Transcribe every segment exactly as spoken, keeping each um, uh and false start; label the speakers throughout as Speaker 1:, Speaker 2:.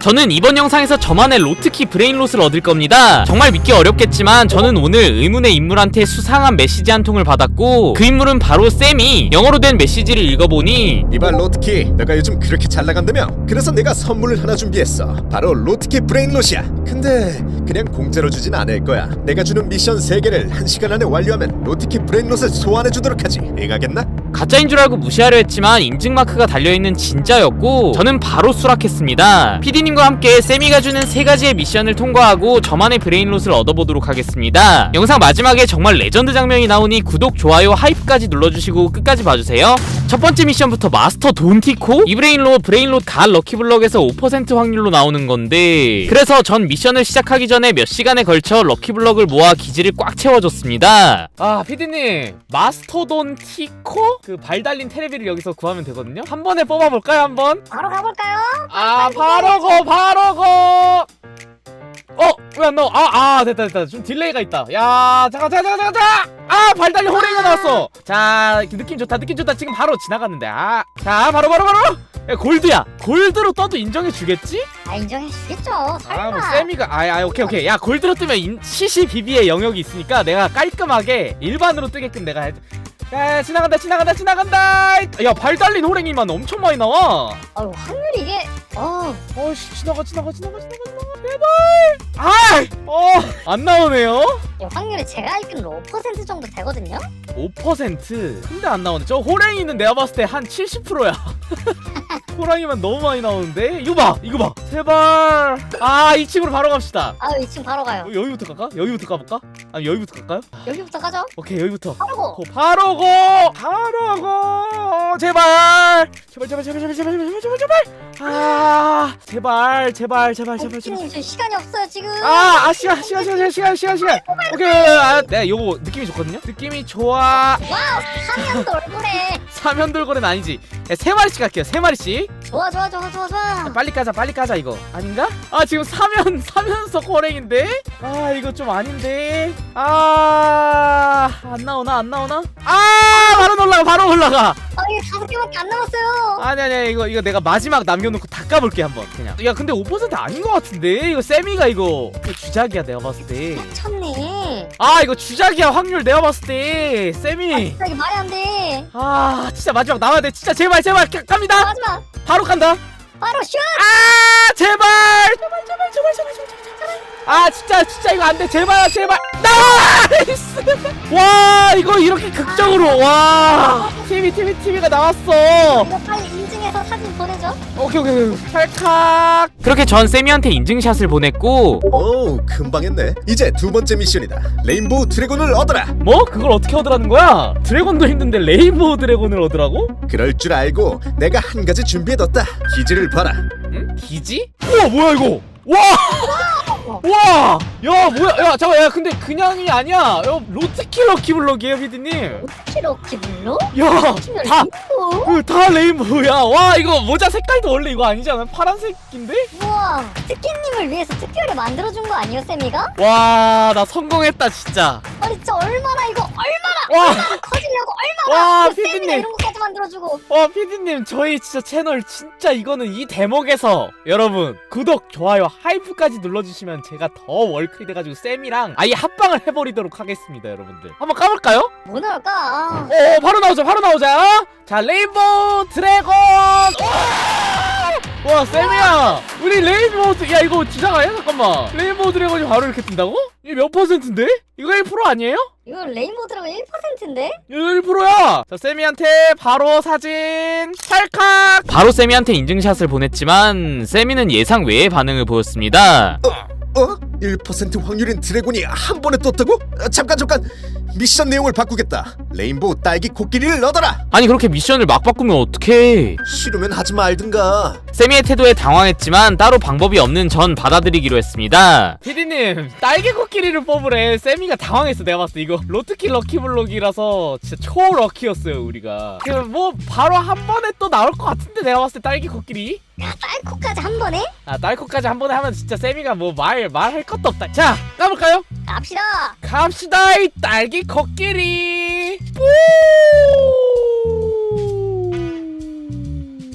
Speaker 1: 저는 이번 영상에서 저만의 로트키 브레인롯을 얻을 겁니다. 정말 믿기 어렵겠지만 저는 오늘 의문의 인물한테 수상한 메시지 한 통을 받았고, 그 인물은 바로 쌤이 영어로 된 메시지를 읽어보니,
Speaker 2: 이봐 로트키, 너가 요즘 그렇게 잘 나간다며? 그래서 내가 선물을 하나 준비했어. 바로 로트키 브레인롯이야. 근데 그냥 공짜로 주진 않을 거야. 내가 주는 미션 세 개를 한 시간 안에 완료하면 로트키 브레인롯을 소환해주도록 하지. 응하겠나?
Speaker 1: 가짜인 줄 알고 무시하려 했지만 인증 마크가 달려있는 진짜였고, 저는 바로 수락했습니다. 피디님과 함께 쌤이가 주는 세 가지의 미션을 통과하고 저만의 브레인롯을 얻어보도록 하겠습니다. 영상 마지막에 정말 레전드 장면이 나오니 구독, 좋아요, 하이프까지 눌러주시고 끝까지 봐주세요. 첫 번째 미션부터 마스터 돈티코? 이 브레인롯 브레인롯 갈 럭키블럭에서 오 퍼센트 확률로 나오는 건데, 그래서 전 미션을 시작하기 전에 몇 시간에 걸쳐 럭키블럭을 모아 기지를 꽉 채워줬습니다. 아 피디님, 마스터 돈티코? 그 발 달린 테레비를 여기서 구하면 되거든요? 한 번에 뽑아볼까요? 한번?
Speaker 3: 바로 가볼까요?
Speaker 1: 아 바로 고 바로 고 어? 왜 안 나와? 아, 아 됐다 됐다. 좀 딜레이가 있다. 야 잠깐 잠깐 잠깐 잠깐. 아 발달리 호랭이가 나왔어. 자 느낌 좋다 느낌 좋다. 지금 바로 지나갔는데. 아 자 바로 바로 바로. 야, 골드야. 골드로 떠도 인정해주겠지?
Speaker 3: 아 인정해주겠죠. 설마.
Speaker 1: 아 뭐 세미가 아아 아, 오케이 오케이. 야 골드로 뜨면 인, 씨씨비비의 영역이 있으니까 내가 깔끔하게 일반으로 뜨게끔 내가 해. 야 지나간다 지나간다 지나간다. 야 발달린 호랭이만 엄청 많이 나와.
Speaker 3: 아유 확률이 이게 어
Speaker 1: 어씨 지나가 지나가 지나가 지나가 지나가 제발. 아어안 나오네요.
Speaker 3: 확률이 제가 알기로는 오 퍼센트 정도 되거든요.
Speaker 1: 오 퍼센트. 근데 안 나오네. 저 호랭이는 내가 봤을 때 한 칠십 퍼센트야. 호랑이만 너무 많이 나오는데. 이거 봐 이거 봐 제발. 아 이 층으로 바로 갑시다.
Speaker 3: 아 이 층 바로 가요.
Speaker 1: 어, 여기부터 갈까? 여기부터 가볼까? 아니 여기부터 갈까요?
Speaker 3: 여기부터 가죠.
Speaker 1: 오케이 여기부터.
Speaker 3: 바로 고.
Speaker 1: 고, 바로 고 바로 고 제발 제발 제발 제발 제발 제발 제발 제발 제발. 아 제발 제발 제발 제발 제발.
Speaker 3: 님 저 시간이 없어요 지금.
Speaker 1: 아, 아 시간 시간 시간 시간 시간 시간. 오케이. 아, 네, 요거 느낌이 좋거든요. 느낌이 좋아.
Speaker 3: 와우 사면도 얼굴에.
Speaker 1: 사면 돌고래는 아니지. 야, 세 마리씩 갈게요. 세 마리씩.
Speaker 3: 좋아 좋아 좋아 좋아 좋아.
Speaker 1: 야, 빨리 까자, 빨리 까자 이거. 아닌가? 아 지금 사면 사면서 호랭인데. 아 이거 좀 아닌데. 아 안 나오나 안 나오나? 아 바로 올라가 바로 올라가.
Speaker 3: 아 이게 다섯 개밖에 안 남았어요.
Speaker 1: 아니 아니 이거 이거 내가 마지막 남겨놓고 다 까볼게 한번 그냥. 야 근데 오 퍼센트 아닌 것 같은데. 이거 세미가 이거, 이거 주작이야 내가 봤을 때.
Speaker 3: 미쳤네.
Speaker 1: 아 이거 주작이야 확률 내가 봤을 때. 세미.
Speaker 3: 이게 말이 안 돼.
Speaker 1: 아 진짜 마지막 나와야 돼. 진짜 제발 제발 가, 갑니다.
Speaker 3: 마지막
Speaker 1: 바로 간다.
Speaker 3: 바로 슛.
Speaker 1: 아 제발 제발 제발 제발 제발 제발 제발. 아 진짜 진짜 이거 안돼. 제발 제발. 나이스. 와 이거 이렇게 극적으로. 와 티비 티비 티비가 나왔어.
Speaker 3: 이거 빨리 인증해서 사진 보내줘.
Speaker 1: 오케이 오케이 오케이. 찰칵. 그렇게 전 세미한테 인증샷을 보냈고.
Speaker 2: 오 금방 했네. 이제 두 번째 미션이다. 레인보우 드래곤을 얻어라.
Speaker 1: 뭐? 그걸 어떻게 얻으라는 거야? 드래곤도 힘든데 레인보우 드래곤을 얻으라고?
Speaker 2: 그럴 줄 알고 내가 한 가지 준비해뒀다. 기지를 봐라.
Speaker 1: 응? 기지? 우와 뭐야 이거? 와! 와! 야 뭐야? 야 잠깐 야 근데 그냥이 아니야. 야 로트키 럭키블럭이에요 피디님.
Speaker 3: 키로키 블루?
Speaker 1: 야다 그, 다 레인보우야. 와 이거 모자 색깔도 원래 이거 아니잖아. 파란색인데?
Speaker 3: 우와 특기님을 위해서 특별히 만들어준 거 아니에요 쌤이가?
Speaker 1: 와 나 성공했다 진짜.
Speaker 3: 아니 진짜 얼마나 이거 얼마나
Speaker 1: 와!
Speaker 3: 얼마나 커지려고 얼마나
Speaker 1: 와
Speaker 3: 그 쌤이가
Speaker 1: 피디님.
Speaker 3: 이런 것까지 만들어주고.
Speaker 1: 와 피디님 저희 진짜 채널 진짜 이거는 이 대목에서 여러분 구독, 좋아요, 하이프까지 눌러주시면 제가 더 월클이 돼가지고 쌤이랑 아예 합방을 해버리도록 하겠습니다 여러분들. 한번 까볼까요?
Speaker 3: 뭐 나올까? 아.
Speaker 1: 오 바로 나오자 바로 나오자. 자 레인보우 드래곤. 와, 와 쌤이야 우리 레인보우 드... 야 이거 주장아야? 잠깐만 레인보우 드래곤이 바로 이렇게 뜬다고? 이게 몇 퍼센트인데? 이거 일 퍼센트 아니에요?
Speaker 3: 이거 레인보우 드래곤 일 퍼센트인데?
Speaker 1: 일 퍼센트야. 자 세미한테 바로 사진 찰칵. 바로 세미한테 인증샷을 보냈지만 세미는 예상 외의 반응을 보였습니다.
Speaker 2: 어? 일 퍼센트 확률인 드래곤이 한 번에 떴다고? 아, 잠깐 잠깐. 미션 내용을 바꾸겠다. 레인보우 딸기 코끼리를 얻어라.
Speaker 1: 아니 그렇게 미션을 막 바꾸면 어떡해.
Speaker 2: 싫으면 하지 말든가.
Speaker 1: 세미의 태도에 당황했지만 따로 방법이 없는 전 받아들이기로 했습니다. 피디님 딸기 코끼리를 뽑으래. 세미가 당황했어. 내가 봤을 때 이거 로트키 럭키블럭이라서 진짜 초 럭키였어요 우리가. 그 뭐 바로 한 번에 또 나올 것 같은데 내가 봤을 때 딸기 코끼리.
Speaker 3: 야 딸코까지 한 번에?
Speaker 1: 아 딸코까지 한 번에 하면 진짜 세미가 뭐 말 말할 것도 없다. 자 까볼까요?
Speaker 3: 갑시다.
Speaker 1: 갑시다 이 딸기 코끼리. 뿌!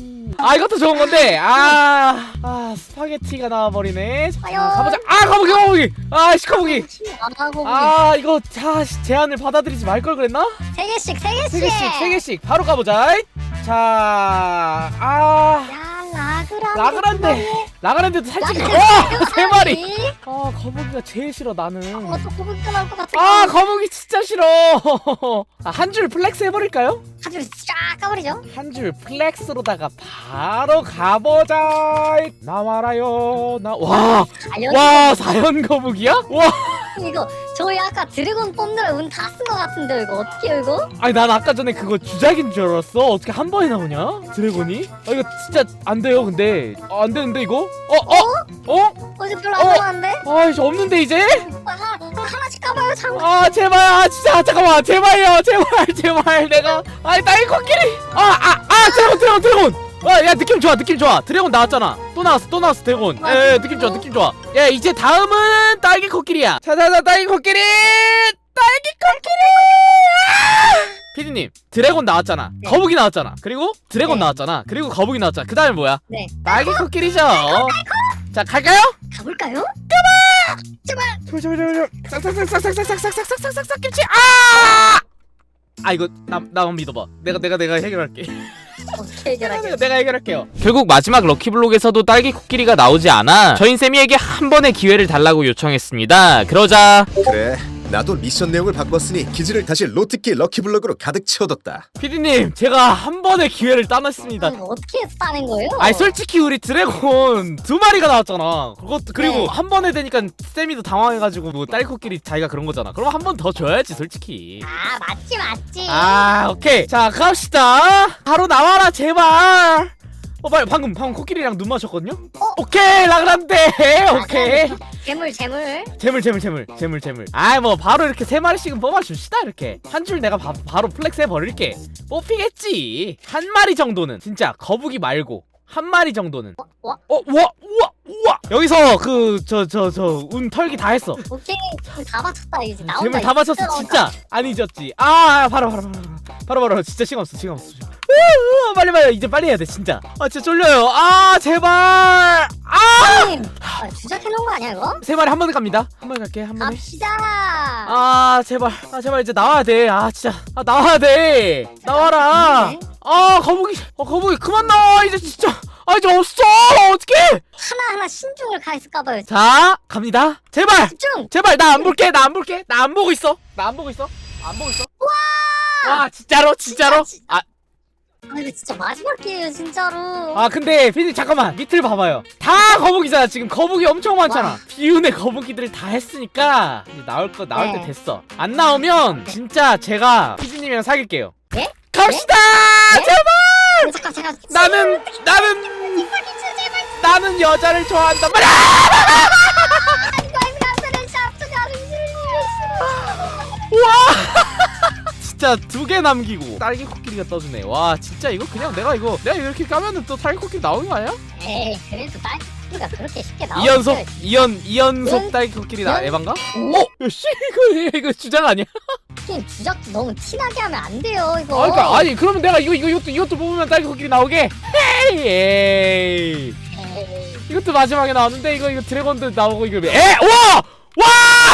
Speaker 1: 아 이것도 좋은 건데 아, 아 스파게티가 나와버리네. 자,
Speaker 3: 아유.
Speaker 1: 가보자. 아 거북이 거북이. 아 시커북이.
Speaker 3: 아 거북이.
Speaker 1: 아 이거 자 제안을 받아들이지 말 걸 그랬나?
Speaker 3: 세 개씩 세 개씩.
Speaker 1: 세 개씩 세 개씩 바로 가보자. 자 아.
Speaker 3: 야 라그란데.
Speaker 1: 라그란데 라그란데도 살짝
Speaker 3: 라그란데
Speaker 1: 와세 마리. 아 거북이가 제일 싫어 나는.
Speaker 3: 어또 거북이가 나올 것 같아.
Speaker 1: 아 거북이 진짜 싫어. 아, 한 줄 플렉스 해버릴까요?
Speaker 3: 하줄 쫙 까버리죠.
Speaker 1: 한 줄 플렉스로다가 바로 가보자. 나와라요. 나와와
Speaker 3: 알려줘.
Speaker 1: 사연 거북이야? 와
Speaker 3: 이거 저희 아까 드래곤 뽑느라 운 다 쓴 것 같은데 이거 어떻게요 이거?
Speaker 1: 아니 난 아까 전에 그거 주작인 줄 알았어. 어떻게 한 번에 나오냐 드래곤이? 아 이거 진짜 안 돼요 근데. 아, 안 되는데 이거? 어 어? 어?
Speaker 3: 어제 별로
Speaker 1: 어?
Speaker 3: 안 나왔는데?
Speaker 1: 아 이제 없는데 이제?
Speaker 3: 아, 하, 하나씩 까봐요 잠깐.
Speaker 1: 아 제발 아 진짜 잠깐만 제발요 제발 제발 내가 아니 딸기 코끼리 아아아 아, 드래곤 드래곤 드래곤 아야 느낌 좋아 느낌 좋아 드래곤 나왔잖아 또 나왔어 또 나왔어 드래곤 예 느낌 좋아 느낌 좋아 야 이제 다음은 딸기 코끼리야 자자자 딸기 코끼리 딸기 코끼리 피디님 드래곤 나왔잖아
Speaker 3: 네.
Speaker 1: 거북이 나왔잖아 그리고 드래곤
Speaker 3: 네.
Speaker 1: 나왔잖아 그리고 거북이 나왔잖아 그 다음에 뭐야
Speaker 3: 네
Speaker 1: 딸기 코끼리죠 자 갈까요?
Speaker 3: 가볼까요? 제발.
Speaker 1: 제발 제발 제발 싹싹싹싹싹싹싹싹싹싹싹 김치 아! 아 이거 나 나만 믿어봐. 내가 내가 내가 해결할게.
Speaker 3: 어떻게 해결하게?
Speaker 1: 내가, 내가 해결할게요. 결국 마지막 럭키블록에서도 딸기 코끼리가 나오지 않아 저흰 세미에게 한 번의 기회를 달라고 요청했습니다. 그러자
Speaker 2: 그래, 나도 미션 내용을 바꿨으니 기지를 다시 로트키 럭키블럭으로 가득 채워뒀다.
Speaker 1: 피디님 제가 한 번의 기회를 따냈습니다.
Speaker 3: 이거 어떻게 해서 따낸 거예요?
Speaker 1: 아니 솔직히 우리 드래곤 두 마리가 나왔잖아. 그것도 그리고
Speaker 3: 네.
Speaker 1: 한 번에 되니까 세미도 당황해가지고 뭐 딸기 코끼리 자기가 그런 거잖아. 그럼 한 번 더 줘야지 솔직히.
Speaker 3: 아 맞지 맞지.
Speaker 1: 아 오케이 자 갑시다. 바로 나와라 제발. 어 빨리 방금 방금 코끼리랑 눈 마셨거든요.
Speaker 3: 어?
Speaker 1: 오케이 라그란데 오케이.
Speaker 3: 재물 재물.
Speaker 1: 재물 재물 재물 재물 재물. 아이 뭐 바로 이렇게 세 마리씩은 뽑아줍시다. 이렇게 한 줄 내가 바, 바로 플렉스 해버릴게. 뽑히겠지. 한 마리 정도는 진짜 거북이 말고 한 마리 정도는.
Speaker 3: 와
Speaker 1: 어 우와 우와 우와 여기서 그 저 저 저 운 털기 다 했어.
Speaker 3: 오케이 다 맞췄다 이제 나온다.
Speaker 1: 재물 다
Speaker 3: 이제.
Speaker 1: 맞췄어
Speaker 3: 나온다.
Speaker 1: 진짜 안 잊었지. 아 바로 바로 바로 바로 바로 바로 진짜 시간 없어 시간 없어. 우, 우, 빨리 빨리 이제 빨리 해야 돼 진짜. 아 진짜 쫄려요. 아 제발. 아!
Speaker 3: 님, 아, 주작해놓은 거 아니야 이거?
Speaker 1: 세 마리 한 번에 갑니다. 한 번에 갈게 한 번에.
Speaker 3: 갑시다.
Speaker 1: 아 제발 아 제발 이제 나와야 돼. 아 진짜 아 나와야 돼. 나와라.
Speaker 3: 네.
Speaker 1: 아 거북이 어 거북이 그만 나와 이제 진짜. 아 이제 없어 어떡해.
Speaker 3: 하나하나 신중을 가했을까봐요.
Speaker 1: 자 갑니다. 제발
Speaker 3: 집중.
Speaker 1: 제발 나 안 볼게 나 안 볼게 나 안 보고 있어 나 안 보고 있어 안 보고 있어. 와 진짜로 진짜로.
Speaker 3: 진짜,
Speaker 1: 아
Speaker 3: 아 이거 진짜 마지막 기회예요 진짜로.
Speaker 1: 아 근데 피디 잠깐만 밑을 봐봐요. 다 거북이잖아 지금. 거북이 엄청 많잖아.
Speaker 3: 와.
Speaker 1: 비운의 거북이들 다 했으니까 이제 나올 거 나올
Speaker 3: 네.
Speaker 1: 때 됐어. 안 나오면 진짜 제가 피디님이랑 사귈게요.
Speaker 3: 네?
Speaker 1: 갑시다.
Speaker 3: 네?
Speaker 1: 제발.
Speaker 3: 네, 잠깐 제가
Speaker 1: 나는 나는 나는 여자를 좋아한단 말이야. 와. 진짜 두 개 남기고 딸기 코끼리가 떠주네. 와 진짜 이거 그냥 내가 이거 내가 이렇게 까면은 또 딸기 코끼리 나오는 거 아니야?
Speaker 3: 에이 그래도 딸기가 그렇게 쉽게 나오는
Speaker 1: 이연속 이연 이연속
Speaker 3: 연-
Speaker 1: 딸기 코끼리 나
Speaker 3: 연-
Speaker 1: 에반가?
Speaker 3: 오?
Speaker 1: 어? 야, 씨 이거 이거 주장 아니야?
Speaker 3: 게임 주작도 너무 티나게 하면 안 돼요 이거.
Speaker 1: 아 그러니까 아니 그러면 내가 이거 이거 이것도 이것도 뽑으면 딸기 코끼리 나오게. 에이 에이
Speaker 3: 에이.
Speaker 1: 이것도 마지막에 나왔는데 이거 이거 드래곤도 나오고 이거 에 와! 와!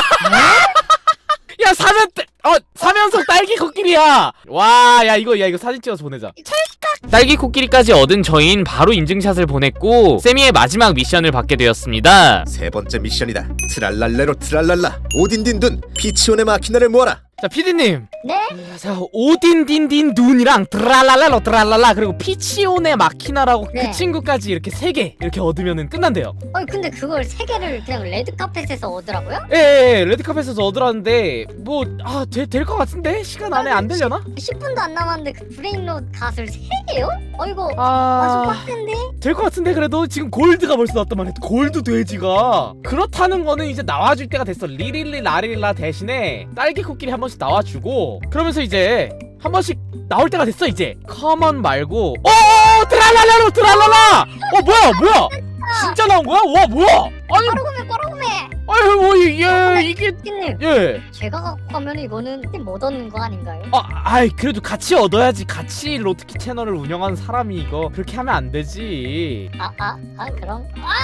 Speaker 1: 야 사면 어 사면속 딸기 코끼리야. 와 야 이거 야 이거 사진 찍어서 보내자. 딸기 코끼리까지 얻은 저희는 바로 인증샷을 보냈고 세미의 마지막 미션을 받게 되었습니다.
Speaker 2: 세 번째 미션이다. 트랄랄레로 트랄랄라 오딘딘둔 피치온의 마키나를 모아라.
Speaker 1: 자 피디님
Speaker 3: 네?
Speaker 1: 자 오딘딘딘 눈이랑 드랄랄랄로 드랄랄라 그리고 피치온의 마키나라고
Speaker 3: 네.
Speaker 1: 그 친구까지 이렇게 세 개 이렇게 얻으면은 끝난대요.
Speaker 3: 아니 근데 그걸 세 개를 그냥 레드 카펫에서 얻으라고요?
Speaker 1: 예, 예 레드카펫에서 얻으라는데 뭐 아 될 것 같은데 시간 안에 안 되려나?
Speaker 3: 십 분도 안 남았는데 그 브레인롯 갓을 세 개요? 어 이거 아좀
Speaker 1: 아
Speaker 3: 빡센데?
Speaker 1: 될 것 같은데 그래도 지금 골드가 벌써 나왔단 말이야. 골드 돼지가 그렇다는 거는 이제 나와줄 때가 됐어. 리릴리 라릴라 대신에 딸기 코끼리 한 번씩 나와주고 그러면서 이제 한 번씩 나올 때가 됐어 이제. 커먼 말고 어 드랄랄라로 드랄랄라. 어 뭐야 뭐야 진짜 나온 거야? 와 뭐야? 아니
Speaker 3: 꼬르구매 꼬르구매
Speaker 1: 아유 뭐 이게 이게
Speaker 3: 피디님
Speaker 1: 예.
Speaker 3: 제가 갖고 가면 이거는 못 얻는 거 아닌가요?
Speaker 1: 아, 아이 그래도 같이 얻어야지. 같이 로트키 채널을 운영하는 사람이 이거 그렇게 하면 안 되지.
Speaker 3: 아 아 아 그럼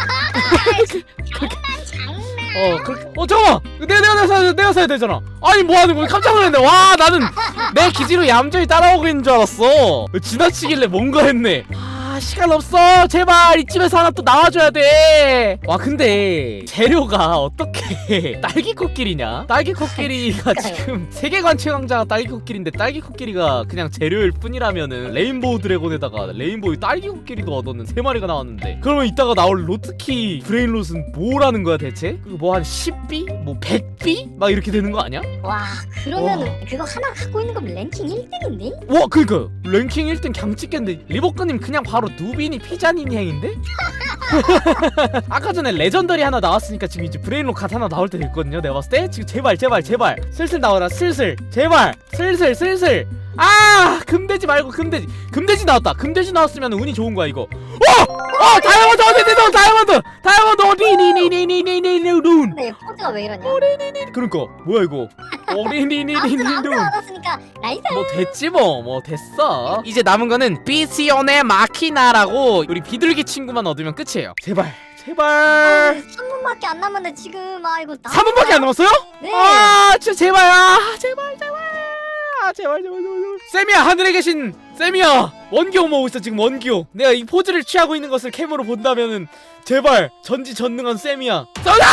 Speaker 1: 어, 그렇게. 어, 잠깐만. 내가 내가 내가 사야 내가 사야 되잖아. 아니 뭐 하는 거야? 깜짝 놀랐네. 와, 나는 내 기지로 얌전히 따라오고 있는 줄 알았어. 지나치길래 뭔가 했네. 아, 시간 없어. 제발 이쯤에서 하나 또 나와줘야 돼. 와, 근데 재료가 어떻게 딸기 코끼리냐? 딸기 코끼리가 지금 세계관 최강자가 딸기 코끼리인데 딸기 코끼리가 그냥 재료일 뿐이라면은 레인보우 드래곤에다가 레인보우 딸기 코끼리도 얻었는 세 마리가 나왔는데 그러면 이따가 나올 로트키 브레인롯은 뭐라는 거야 대체? 그거 뭐 한 십 비? 뭐 백 비? 막 이렇게 되는 거 아니야?
Speaker 3: 와 그러면은 그거 하나 갖고 있는 거면 랭킹 일 등인데?
Speaker 1: 와 그니까 랭킹 일 등 강 찍겠는데 리버크님 그냥 바로 누비니 피자니니 행인데? 아까 전에 레전더리 하나 나왔으니까 지금 이제 브레인롯 갓 하나 나올 때 됐거든요. 내가 봤을 때 지금 제발 제발 제발 슬슬 나와라 슬슬 제발 슬슬 슬슬 아 금돼지 말고 금돼지 금돼지 나왔다. 금돼지 나왔으면 운이 좋은 거야 이거. 어! 어! 다이아몬드 어디 어디 어디 다이아몬드 다이아몬드 어디 니니니니니니니눈
Speaker 3: 근데 포즈가 왜 이러냐?
Speaker 1: 그러니까 뭐야 이거 오리니니니니
Speaker 3: 아무튼 아무튼
Speaker 1: 눈
Speaker 3: 얻었으니까 나이스.
Speaker 1: 뭐 됐지 뭐 뭐 됐어. 이제 남은 거는 비시온의 마키나라고 우리 비둘기 친구만 얻으면 끝이에요. 제발 제발
Speaker 3: 삼 분밖에 안 남았는데 지금 아 이거 나.
Speaker 1: 삼 분밖에 안 남았어요?
Speaker 3: 네.
Speaker 1: 아 진짜 제발 아 제발 제발 아 제발 제발 제발 세미야 하늘에 계신 세미야 원기호 모으고 있어 지금 원기호. 내가 이 포즈를 취하고 있는 것을 캠으로 본다면은 제발 전지전능한 세미야 쏘다!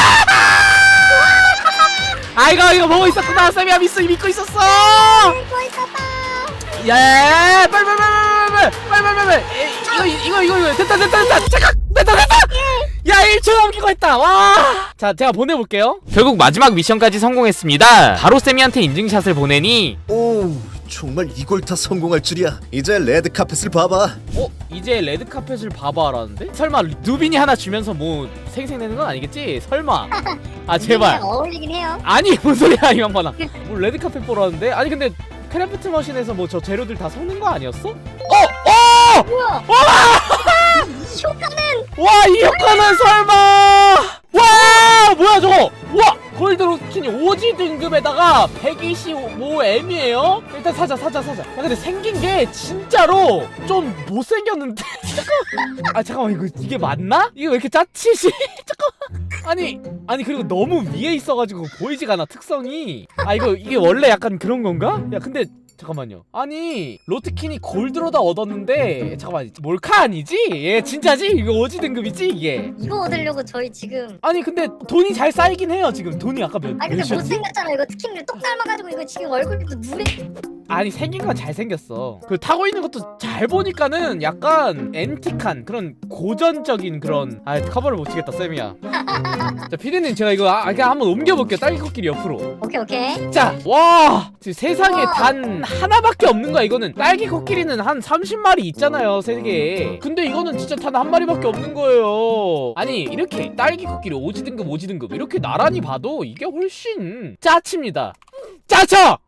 Speaker 1: 아 이거 이거 보고 있었구나. 세미야 믿고 믿고 있었어.
Speaker 3: 이거 있었다.
Speaker 1: 야 빨리 빨리 빨리 빨리 빨리 빨리 빨리 이거 이거 이거 이거 됐다 됐다 됐다 잠깐 됐다 됐다 야 일 초 남기고 했다. 와 자 제가 보내볼게요. 결국 마지막 미션까지 성공했습니다. 바로 세미한테 인증샷을 보내니
Speaker 2: 오, 정말 이걸 다 성공할 줄이야. 이제 레드 카펫을 봐봐.
Speaker 1: 어? 이제 레드카펫을 봐봐라는데? 설마 누빈이 하나 주면서 뭐 생생내는 건 아니겠지? 설마 아 제발
Speaker 3: 이게 어울리긴 해요.
Speaker 1: 아니 뭔 소리야 이 양반아. 뭐 레드카펫 보라는데? 아니 근데 크래프트 머신에서 뭐 저 재료들 다 섞는 거 아니었어? 어! 어!
Speaker 3: 뭐야?
Speaker 1: 와!
Speaker 3: 이 효과는
Speaker 1: 와 이 효과는 설마 와 뭐야 저거 와 골드로스킨이 오지 등급에다가 백이십오 엠이에요 일단 사자 사자 사자. 야 근데 생긴 게 진짜로 좀 못생겼는데 아 잠깐만 이거 이게 맞나? 이게 왜 이렇게 짜치지? 잠깐만 아니 아니 그리고 너무 위에 있어가지고 보이지가 않아 특성이. 아 이거 이게 원래 약간 그런 건가? 야 근데 잠깐만요. 아니 로트킨이 골드로다 얻었는데 잠깐만 몰카 아니지? 얘 진짜지? 이거 오지 등급이지 이게?
Speaker 3: 이거 얻으려고 저희 지금.
Speaker 1: 아니 근데 돈이 잘 쌓이긴 해요 지금. 돈이 아까 몇,
Speaker 3: 아 근데
Speaker 1: 몇이었지?
Speaker 3: 못생겼잖아. 이거 특히는 똑 닮아가지고 이거 지금 얼굴도 누래.
Speaker 1: 아니 생긴 건 잘생겼어. 그 타고 있는 것도 잘 보니까는 약간 앤틱한 그런 고전적인 그런. 아 커버를 못 치겠다 쌤이야. 자 피디님 제가 이거 아, 그냥 한번 옮겨볼게요. 딸기 코끼리 옆으로.
Speaker 3: 오케이 오케이.
Speaker 1: 자, 와 지금 세상에
Speaker 3: 우와.
Speaker 1: 단 하나밖에 없는 거야 이거는. 딸기 코끼리는 한 삼십 마리 있잖아요 세계에. 근데 이거는 진짜 단 한 마리밖에 없는 거예요. 아니 이렇게 딸기 코끼리 오지 등급 오지 등급 이렇게 나란히 봐도 이게 훨씬 짜칩니다. 짜쳐!